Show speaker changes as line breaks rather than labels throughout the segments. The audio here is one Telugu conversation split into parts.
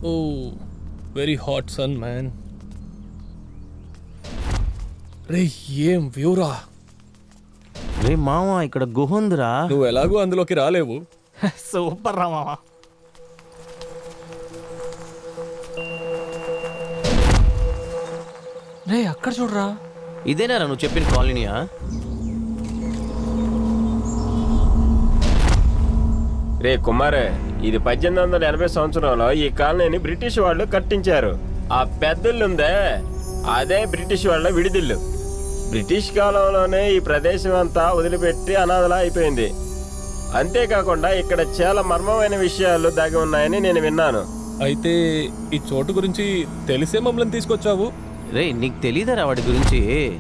ఓ వెరీ హాట్ సన్ మ్యాన్. రే ఏం వ్యూరా.
రే మామ ఇక్కడ గుహ ఉందిరా.
నువ్వు ఎలాగో అందులోకి రాలేవు.
సూపర్ రా మామ.
రే అక్కడ చూడరా.
ఇదేనా నువ్వు చెప్పిన కాలనీయా?
రే కుమారే, ఇది 1880 సంవత్సరంలో ఈ కాలనీని బ్రిటిష్ వాళ్ళు కట్టించారు. ఆ పెద్దల్లుందే అదే బ్రిటిష్ వాళ్ళ విడిదిల్లు. బ్రిటిష్ కాలంలోనే ఈ ప్రదేశం అంతా వదిలిపెట్టి అనాథలా అయిపోయింది. అంతేకాకుండా ఇక్కడ చాలా మర్మమైన విషయాలు దాగి ఉన్నాయని నేను విన్నాను.
అయితే ఈ చోటు గురించి తెలిసే మమ్మల్ని తీసుకొచ్చావు.
రే నీకు తెలీదరా వాడి గురించి?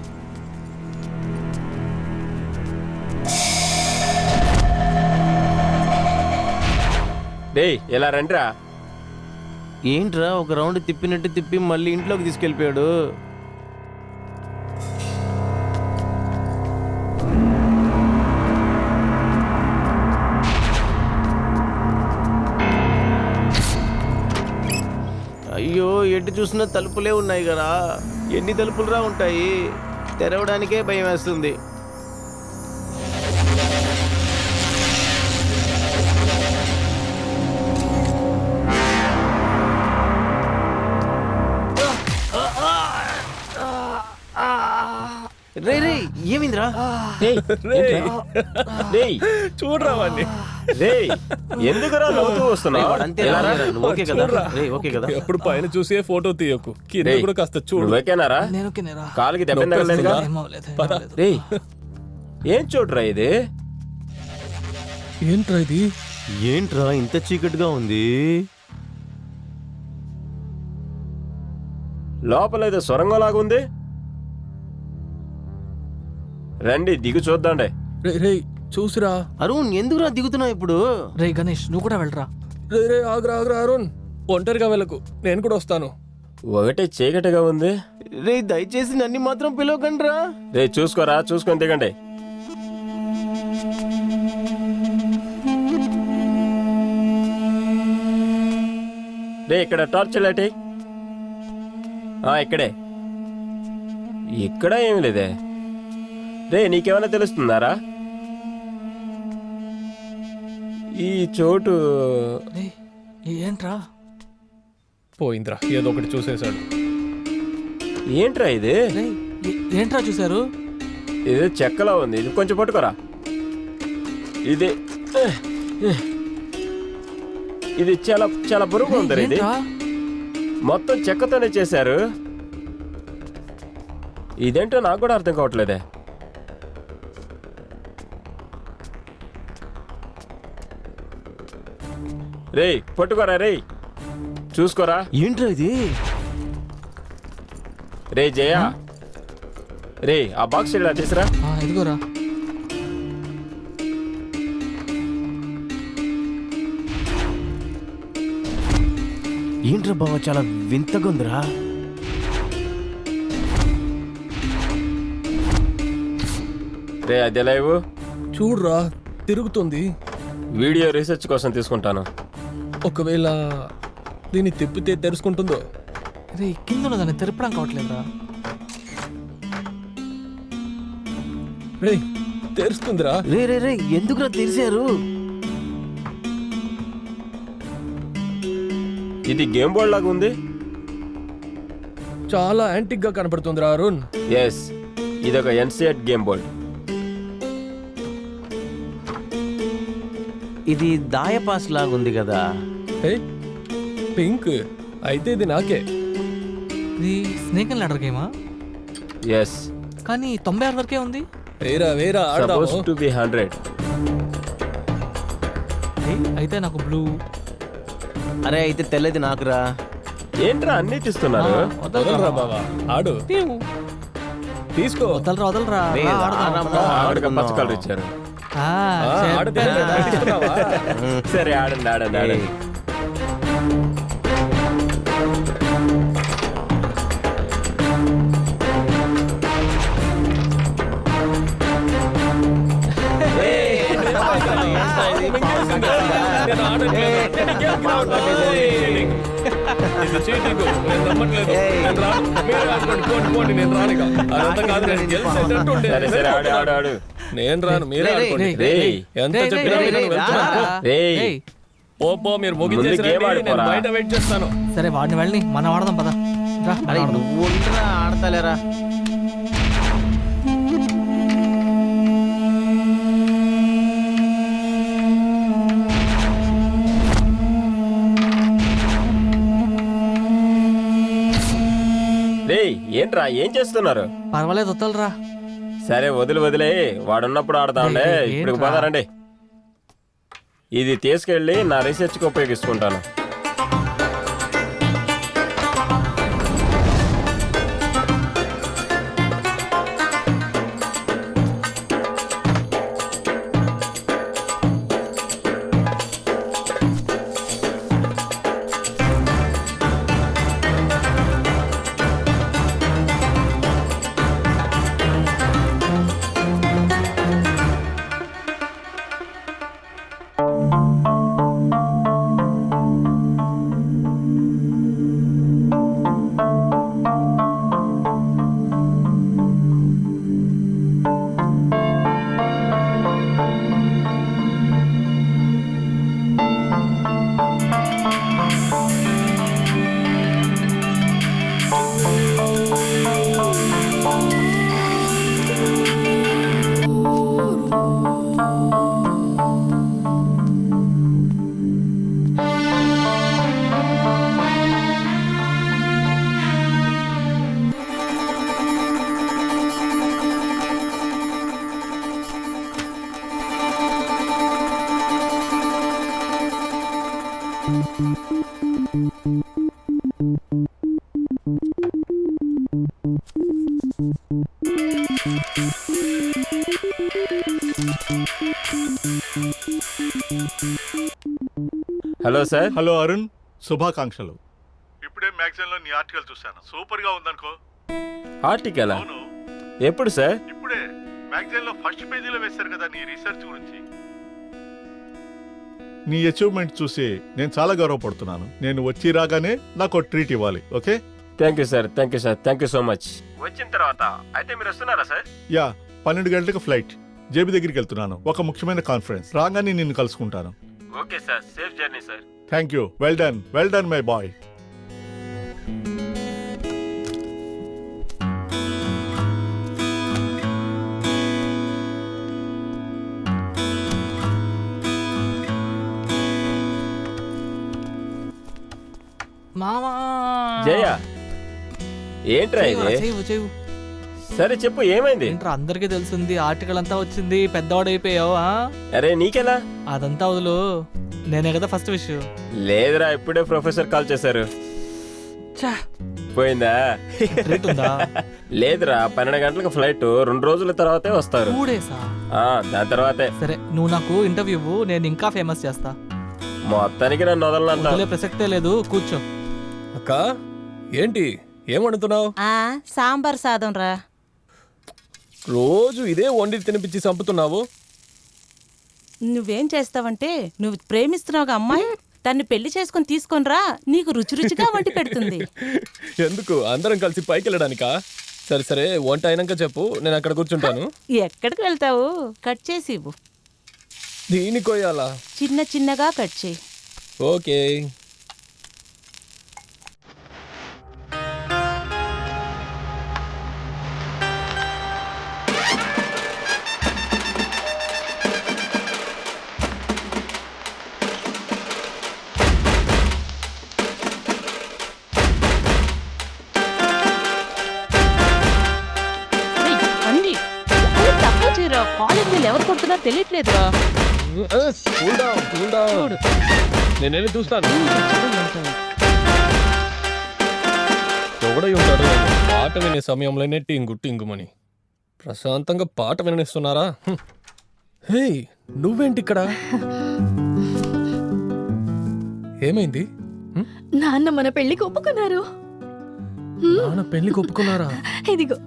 రే ఇలా రండిరా.
ఏంట్రా ఒక రౌండ్ తిప్పినట్టు తిప్పి మళ్ళీ ఇంట్లోకి తీసుకెళ్ళిపోయాడు. అయ్యో ఎటు చూసినా తలుపులే ఉన్నాయి కదా. ఎన్ని తలుపులురా ఉంటాయి? తెరవడానికే భయం వేస్తుంది. రే రే ఏమిందిరా?
చూడరా వాడిని.
ఎందుకురా నవ్వుతూ వస్తున్నావు?
ఓకే కదా? ఓకే కదా?
ఎప్పుడు పైన చూసే ఫోటో తీయకు, కింద కూడా కాస్త చూడు.
ఓకేనారా? కాలికి దెబ్బ తగలలేదుగా? రేయ్ ఏం చూడరా ఇది?
ఏంట్రా ఇది?
ఏంట్రా ఇంత చీకటిగా ఉంది?
లోపల ఏదో సొరంగంలాగా ఉంది. రండి దిగు చూద్దాండే.
రే చూసిరా.
అరుణ్ ఎందుకురా దిగుతున్నావు ఇప్పుడు?
రే గణేష్ నువ్వు కూడా వెళ్ళరా.
రే ఆగ్రా అరుణ్, ఒంటరిగా వెళ్ళకు, నేను కూడా వస్తాను.
ఒకటే చీకటిగా ఉంది.
రే దయచేసి నన్ను మాత్రం పిలవకండి రా.
రే చూసుకోరా, చూసుకొని దిగండి. రే ఇక్కడ టార్చ్ లైట్. ఇక్కడే. ఇక్కడ ఏమి లేదే. రే నీకేమైనా తెలుస్తుందారా? ఈ చోటు
ఏంట్రా?
పోయిందిరా, ఏదో ఒకటి చూసేశాడు.
ఏంట్రా ఇది?
ఏంట్రా చూసారు?
ఇది చెక్కలా ఉంది. ఇది కొంచెం పట్టుకోరా. ఇది చాలా చాలా బరువుగా ఉంది. ఇది మొత్తం చెక్కతోనే చేశారు. ఇదేంటో నాకు కూడా అర్థం కావట్లేదే. రే పట్టుకోరా. రే చూసుకోరా.
ఏంట్రా ఇది?
రే జయ, రే ఆ బాక్స్ ఇలా తీసురా.
ఇదిగోరా.
ఏంట్రా బావ చాలా వింతగా ఉందిరా.
రే అది లైవ్
చూడరా, తిరుగుతుంది.
వీడియో రీసెర్చ్ కోసం తీసుకుంటాను.
ఒకవేళ దీన్ని తిప్పితే తెరుచుకుంటుందో?
రే కింద ఉన్నదాన్ని తెరపడం కావట్లేదురా.
రే తెరుస్తుందిరా.
రే రే రే ఎందుకురా తెరిచారు?
ఇది గేమ్ బోర్డ్ లాగా ఉంది.
చాలా యాంటిక్ గా కనపడుతుందిరా అరుణ్.
ఎస్, ఇదొక ఎన్సిఎట్ గేమ్ బోర్డ్.
ఇది దాయపాస్ లాగుంది కదా.
పింక్ అయితే ఇది నాకే.
ఇది స్నేక్ అండ్ లాడర్ గేమా?
ఎస్,
కానీ 96 వరకే ఉంది.
వేరా
సపోజ్ టు బి 100.
అయితే నాకు బ్లూ.
అరే అయితే తెల్లది నాకురా.
ఏంట్రా అన్ని తీస్తున్నారు?
వదలరా బావా, ఆడు తీసుకో.
వదలరా.
ఆవిడకి పచ్చ కలర్ ఇచ్చారు.
ఆడితే తీసుకున్నావా?
సరే ఆడండి ఆడండి ఆడండి.
ఇది చీటింగ్. నేను నమ్మట్లేదు. నేను రాను. మీరే ఆడుకోండి. పోండి, పోండి. నేను రాను ఇక. అదంతా కాదు, నేను గెలిచేటట్టు ఉండే.
సరే సరే ఆడు ఆడు ఆడు.
నేను రాను. మీరే ఆడుకోండి.
రేయ్
ఎంత చెప్పినా వినను. వెళ్తున్నాను. పో.
రేయ్
ఏయ్,
పో మీరు ముగించేసి
ముందు గేమ్
రండి. నేను
ఆడుకోరా.
బయట వెయిట్ చేస్తాను.
సరే వాడిని వెళ్ళి మనం ఆడదాం పదా. రా, మనం
అరే
ఆడదాం.
నువ్వు ఉండరా, ఆడతలేరా?
రేయ్ ఏంట్రా ఏం చేస్తున్నారు?
పర్వాలేదు వద్దలరా.
సరే వదిలే వాడున్నప్పుడు ఆడదాంలే.
ఏయ్,
ఇప్పుడు
ఏంట్రా?
పోదారండి. ఇది తీసుకెళ్ళి నా రీసెర్చ్కి ఉపయోగించుకుంటాను. Hello sir.
హలో అరుణ్, శుభాకాంక్షలు. ఇప్పుడే మ్యాగజైన్లో నీ ఆర్టికల్ చూశాను, సూపర్ గా ఉందనుకో.
ఆర్టికల్
అవును,
ఎప్పుడు సార్?
ఇప్పుడే మ్యాగజైన్లో ఫస్ట్ పేజీలో వేశారు కదా నీ రీసెర్చ్ గురించి. నీ అచీవ్మెంట్ చూసి నేను చాలా గర్వపడుతున్నాను. నేను వచ్చి రాగానే నాకు ట్రీట్ ఇవ్వాలి, okay?
Thank you sir, thank you sir, thank you so much. వచ్చిన తర్వాత అయితే మీరు వస్తున్నారా సార్?
యా, 12 గంటలకు ఫ్లైట్. జేబీ దగ్గరికి వెళ్తున్నాను, ఒక ముఖ్యమైన కాన్ఫరెన్స్. రాగానే నిన్ను కలుసుకుంటాను.
Okay sir, safe journey sir.
Thank you. Well done my boy.
మామా
జయ ఏంట్రా
చేయవురా,
ఇది?
చేయవు.
సరే చెప్పు ఏమైంది?
ఏంట్రా అందరికీ తెలిసింది, ఆర్టికల్ అంతా వచ్చింది, పెద్దవాడైపోయావు.
అరే నీకెలా?
అదంతా వదులు, నేనే కదా ఫస్ట్ విషయం.
లేదురా, ఇప్పుడే ప్రొఫెసర్ కాల్ చేశారు.
ఛా,
పోయిందా?
ట్రీట్ ఉందా?
లేదురా, 12 గంటలకు ఫ్లైట్, 2 రోజుల తర్వాతే వస్తారు.
2 డేసా?
దాని తర్వాతే.
సరే నువ్వు నాకు ఇంటర్వ్యూ ఇవ్వు, నేను ఇంకా ఫేమస్ చేస్తా.
మొత్తానికి నన్ను వదలనంత.
వదిలే ప్రసక్తే లేదు, కూర్చో.
అక్క ఏంటి ఏం వండుతున్నావు?
సాంబార్ సాదం రా.
రోజు ఇదే వండి తినిపించి చంపుతున్నావు.
నువ్వేం చేస్తావంటే, నువ్వు ప్రేమిస్తున్నావు అమ్మాయి, తన్ని పెళ్లి చేసుకుని తీసుకొనిరా, నీకు రుచి రుచిగా వండి పెడుతుంది.
ఎందుకు అందరం కలిసి పైకి వెళ్ళడానికా? సరే సరే, వంట అయినాక చెప్పు, నేను అక్కడ కూర్చుంటాను.
ఎక్కడికి వెళ్తావు? కట్ చేసి ఇవ్వు.
దీని కొయ్యాలా?
చిన్న చిన్నగా కట్ చేయి.
ఓకే.
అండి తక్కువ చేయరా, కాలేజ్ వీళ్ళు ఎవరు కొడుతున్నా తెలియట్లేదురా.
Cool down. నేనేమి చూస్తాను. ఎవడై ఉంటాడు? పాట వినే సమయంలోనే టింగుమని ప్రశాంతంగా పాట విననిస్తున్నారా? హే, నువ్వేంటి ఇక్కడ? ఏమైంది?
నాన్న మన పెళ్లికి ఒప్పుకున్నారు.
నాన్న పెళ్లికి ఒప్పుకున్నారా?
ఇదిగో.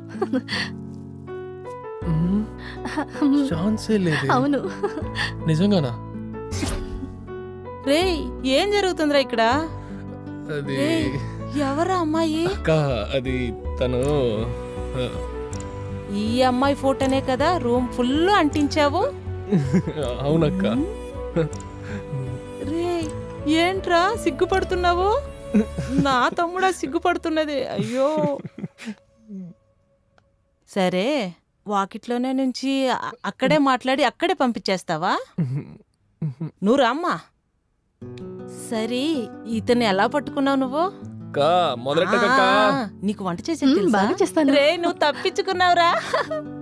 ఛాన్సే లేదు.
అవును.
నిజంగానా?
రేయ్, ఏం జరుగుతుందిరా ఇక్కడ?
అది
ఏయ్, ఎవరా అమ్మాయి?
అక్క అది తను
ఈ అమ్మాయి ఫోటోనే కదా రూమ్ ఫుల్ అంటించావు.
అవునక్క.
రే ఏంట్రా సిగ్గుపడుతున్నావు? నా తమ్ముడా సిగ్గుపడుతున్నది. అయ్యో సరే వాకిట్లోనే నుంచి అక్కడే మాట్లాడి అక్కడే పంపించేస్తావా? నువ్వు రామ్మా. సరే ఇతన్ని ఎలా పట్టుకున్నావు నువ్వు?
అక్క మొదలెట్టకక్క.
నీకు వంట చేసే
బాగా చేస్తాను.
రే నువ్వు తప్పించుకున్నావురా.